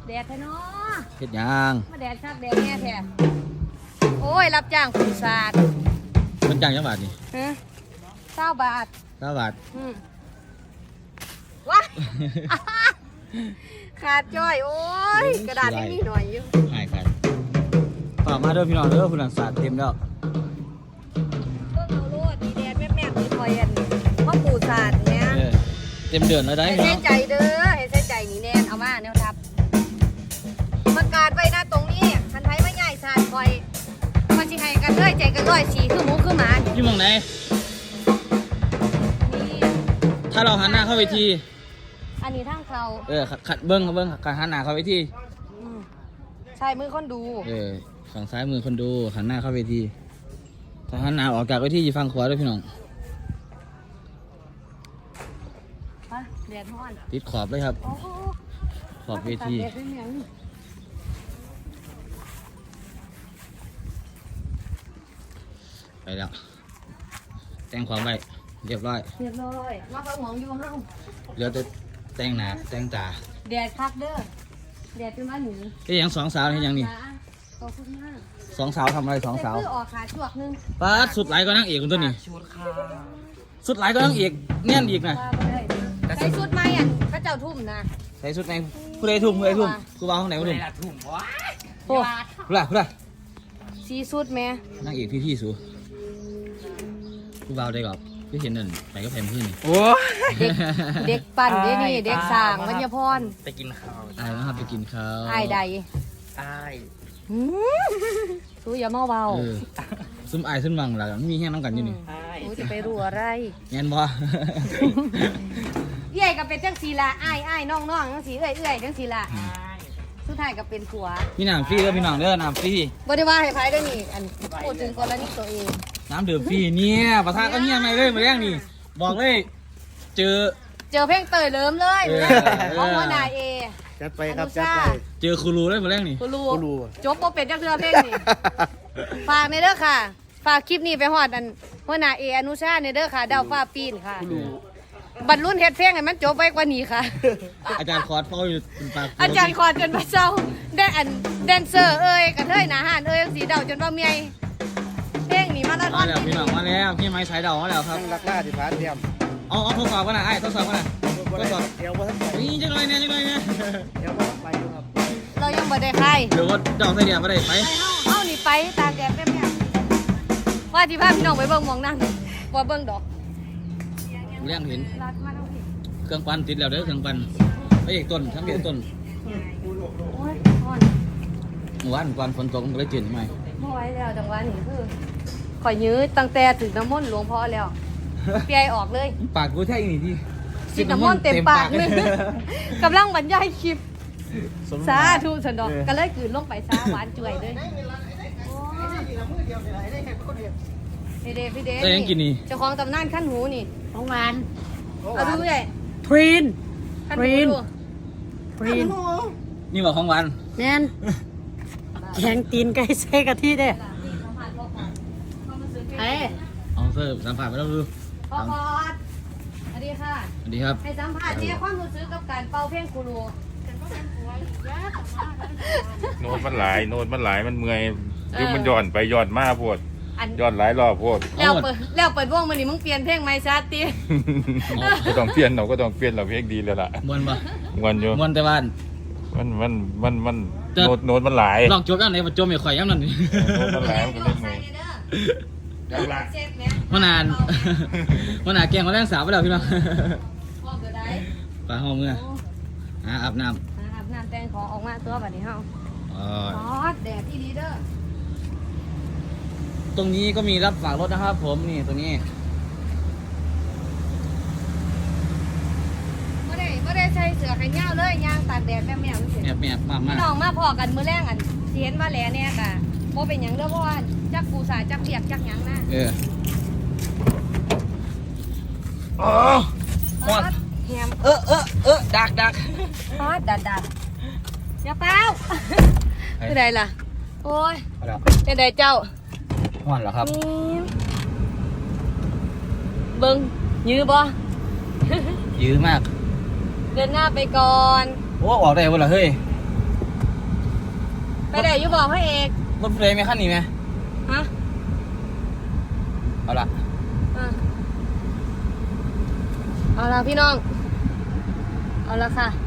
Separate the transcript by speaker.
Speaker 1: แดดแท้เนาะ
Speaker 2: เฮ็ดหยัง
Speaker 1: มาแดดคักแดดแน่แท้โอ้ยรับจ้างผู้สาด
Speaker 2: มันจังจังบาทนี่
Speaker 1: ฮะ20 บาท
Speaker 2: 9 บาท
Speaker 1: ว้า ขาดจ้อยโอ้ยกระดาษยังมีหน่อยอยู่
Speaker 2: หายกันฝากมาเด้อพี่น้องเด้อผู้นันสาดเต็มแล้ว
Speaker 1: เบิ่งเอาโลดมีแดดแม่ๆมีคอยอันพ่อปู่สาดเนี่ย
Speaker 2: เต็มเดือนแล้วได้
Speaker 1: ให้
Speaker 2: พี่
Speaker 1: เส้
Speaker 2: น้อน ง
Speaker 1: ใจเด้อให้เส้นใจนี่แน่นเอามาแนวทับประกาศไว้นะตรงนี้คันไทยไม่ใหญ่สาดคอยมาสิให้กันเลยใจกันร้อยสีคือหมูคือหมา
Speaker 2: อยู่หม่องไหน
Speaker 1: นี่
Speaker 2: ถ้าเราหันหน้าเข้าเวที
Speaker 1: อันนี้ทางเขา
Speaker 2: ขัดเบิ้งขัดหันหน้าเข้าเวที
Speaker 1: ใช่มือคนดู
Speaker 2: ฝั่งซ้ายมือคนดูหันหน้าเข้าเวทีถ้าหันหน้าออกจากเวทีอยู่ฝั่งขวาด้วยพี่น้อง
Speaker 1: ฮะแดดร้อน
Speaker 2: ติดขอบเลยครับ
Speaker 1: โอ้โห
Speaker 2: ขอบเวที
Speaker 1: แดดเป็นหยัง
Speaker 2: ไปแล้วแต่งความไว้เรียบร้อย
Speaker 1: เรียบร้อยมาฟังหมองอยู่ห้อง
Speaker 2: เหลือแต่แต่งหน้าแต่งตา
Speaker 1: แดดคักเด้อแดดเป็นว่าหนี
Speaker 2: เอ้ยยังสองสาวเห็นยังนี่
Speaker 1: ขอบคุณมาก
Speaker 2: สองสาวทำอะไรสองสาว
Speaker 1: แต่คือออกขาจวกนึง
Speaker 2: ป้าดสุดไหลก็นั่งเอกคนตัวนี้
Speaker 3: ชุดค่ะ
Speaker 2: สุดไหลก็นั่งเอกเน่นอีกนะ
Speaker 1: ว่าบ่ได้ใส่ชุดไหมอ่ะพระเจ้าทุ่มนะ
Speaker 2: ใส่สุดไหนผู้ใดทุ่มกูวางข้างไหน
Speaker 3: ไม่
Speaker 2: มาทุ่ม
Speaker 3: ได้ถุงวะ
Speaker 1: โอ้
Speaker 2: ผู้ใดผู้ใด
Speaker 1: สีสุดแม่
Speaker 2: นั่งเอกพี่สูกูวางได้ก่อนพี่เห็นนั่นไปก็แพมขึ้นนี่
Speaker 3: โอ้
Speaker 1: เด็กปั่นเด้นี่เด็กสร้างวัญพร
Speaker 3: ไปกินข้าว
Speaker 2: อายนะครับไปกินข้าว
Speaker 1: ไอ้ายใด
Speaker 3: ใต้
Speaker 1: หืมสู้อย่าเมาเบา
Speaker 2: ซุ่มอายซุ่มวังล่ะมีแห้งน้ำกันอยู่นี่
Speaker 3: ใต้
Speaker 1: สู้จะไปรู้อะไร
Speaker 2: แง่นบ่
Speaker 1: เอ้ยก็เป็นจังสีละอ้ายน้องจังสีเอ้ยจังสีละสุดท้ายก็เป็นผัว
Speaker 2: มีน้ำฟรีเด้อพี่น้องเด้อน้ำฟรี
Speaker 1: บ่ได้ว่าให้ไผได้อนี่อันพูดถึงกรณีตัวเอง
Speaker 2: น้ำดื่มฟรีเนี่ยประธานก็เงียบไปเลยมาแรงนี่บอกเลยเจอ
Speaker 1: เจอเพลงเตยเลิมเลย
Speaker 2: เออ
Speaker 1: ของหัวหน้าเอ
Speaker 3: จัดไปครับจัดไป
Speaker 2: เจอครูรูเลยมาแรงนี่
Speaker 1: คุณรู้
Speaker 3: กูรู้
Speaker 1: จบบ่เป็นจักเทื่อเพลงนี่ ฝากในเด้อค่ะ ฝากคลิปนี้ไปฮอดอันหัวหน้าเออนุชาในเด้อค่ะดาวฟ้าปีนค่ะ บรรลุนเฮ็ดเพลงให้มันจบไว้กว่านี้ค่ะ
Speaker 2: อาจารย์คอร์ดเฝ้าอยู่เป็นปาก
Speaker 1: อาจารย์คอนจนพระเจ้าได้อันแดนเซอร์เอ้ยกระเทยหนาหานเอ้ยสีเดาจนว่าเมียเพลงนี้มาแล้ว
Speaker 2: มาแล้วพี่น้องมาแล้วพี่ไม้สายเดามาแล้วครับ
Speaker 3: ตั้งรักหน้าที่พานเตรียม
Speaker 2: เอาทดสอบกันนะไอ้ทดสอบกันนะทดสอบ
Speaker 3: เดี๋ยวว่าท่านไป
Speaker 2: นี่จังเลยเนี่ยจังเลยเนี่ย
Speaker 3: เดี๋ยวว่าไปอยู่ครับ
Speaker 1: เรายังบ่ได้ใคร
Speaker 2: เดี๋ยวว่าเดาใส่เดียวมาได้ไป
Speaker 1: เฮานี่ไปตามแดดแม่ๆว่าที่พาพี่น้องไปเบิ่งหมองนั่นบ่เบิ่งดอก
Speaker 2: เรื่องเห็น
Speaker 1: รัดมาทั้งพี่
Speaker 2: เครื่องปั่นติดแล้วเด้อเครื่องปั่นไปอีกต้นทั้งเดียวต้น
Speaker 1: โอ้ยอ่อน
Speaker 2: เมื่อวานก่อนฝนตกมันก็เลยจืดใหม่
Speaker 1: บ่ไหวแล้วจังหวะนี้คือข่อยยื้อตั้งแต่ถึงน้ำมนต์หลวงพ่อแล้วเปียออกเลย
Speaker 2: ปากกูแท้อีนี่ที่
Speaker 1: สิน้ำมนต์เต็มปากเลยกำลังบรรยายคลิปสาธุสันดอกก็เลยกลืนลงไปซาหวานจ่วยเลยพี่เดพี่เด
Speaker 2: ได้ยังกินนี่
Speaker 1: เจ้าของตำนานขั้นหูนี่
Speaker 4: ของหวาน
Speaker 1: เอาดูใหญ่
Speaker 4: ทรีน
Speaker 1: ขั้นหูดู
Speaker 4: ทรีน
Speaker 2: นี่บอกของหวาน
Speaker 4: แน่นแข็งตีนไก่ใส่กะทิเด้
Speaker 1: เฮ้ย
Speaker 2: เอาเสิร์ฟสัมผัสไปแล้วดู
Speaker 1: พ่อพอดสวัสดีค่ะ
Speaker 2: สวัสดีครับ
Speaker 1: ให้สัมผัสเนี่ยความรู้สึกกับการเป่าเพลงครูรู
Speaker 5: โน้ตมันหลายมันเมื่อยยุคมันย้อนไปย้อนมาโพด
Speaker 1: อัน
Speaker 5: ย้อนหลายรอบโพด
Speaker 1: แล้วเปิดวงมันนี่มึงเปลี่ยนเพลงไหมชาติ
Speaker 5: ก็ต้องเปลี่ยนเราเพลงดีแล้วล่ะ
Speaker 2: มวนปะ
Speaker 5: วันอยู่
Speaker 2: มวนแต่บ้าน
Speaker 5: มัน
Speaker 2: แต่
Speaker 5: โน้ตมันหลาย
Speaker 2: ลองจบยังไงมาจมไม่ข่อยย้ำนั่นนี่
Speaker 5: โน้ตมันหลายมันก็เลยเมื่อย
Speaker 1: ดังละเจ็บไหม
Speaker 2: มานานมานานแกงเขาแรงสาวไปแล้วพี่น้อง
Speaker 1: ห้องเกิดได้
Speaker 2: ไปห้องเมื่ออาบน้
Speaker 1: อาบน้ำแต่งของออกมาตัวแบบนี้เฮา
Speaker 2: ำ
Speaker 1: อ๋อแดดที่ดีเด้อ
Speaker 2: ตรงนี้ก็มีรับฝากรถนะครับผมนี่ตรงนี้
Speaker 1: ไม่ได้ใส่เสื้อแขนยาวเลยยางตากแดดแม่ๆมันสิ
Speaker 2: แมบมาก
Speaker 1: พี่น้องมาพอกันมื้อแรงอันสิเห็นว่าแหล่เนี่ยค่ะบ่เป็นหยังเด้อเพราะว่าจักปูสาจักเปียกจักหยังนะ
Speaker 2: โอ้ฮอด
Speaker 1: แฮม
Speaker 2: ดัก
Speaker 1: ฮอดดัดอย่าเป้าคือใดล่ะโอ้ยเป็นใดเจ้า
Speaker 2: ฮอดเหรอครับ
Speaker 1: นี่เบิ่งยื้อบ่
Speaker 2: ยื้อมาก
Speaker 1: เดินหน้าไปก่อน
Speaker 2: โอ้ออกได้เวลาเฮ้ย
Speaker 1: ไปได้อยู่บอกให้เอก
Speaker 2: รถเพลงไหมขั้นนี้ไหม
Speaker 1: ฮะ
Speaker 2: เอาละ
Speaker 1: อ่ะเอาละพี่น้อง เอาละค่ะ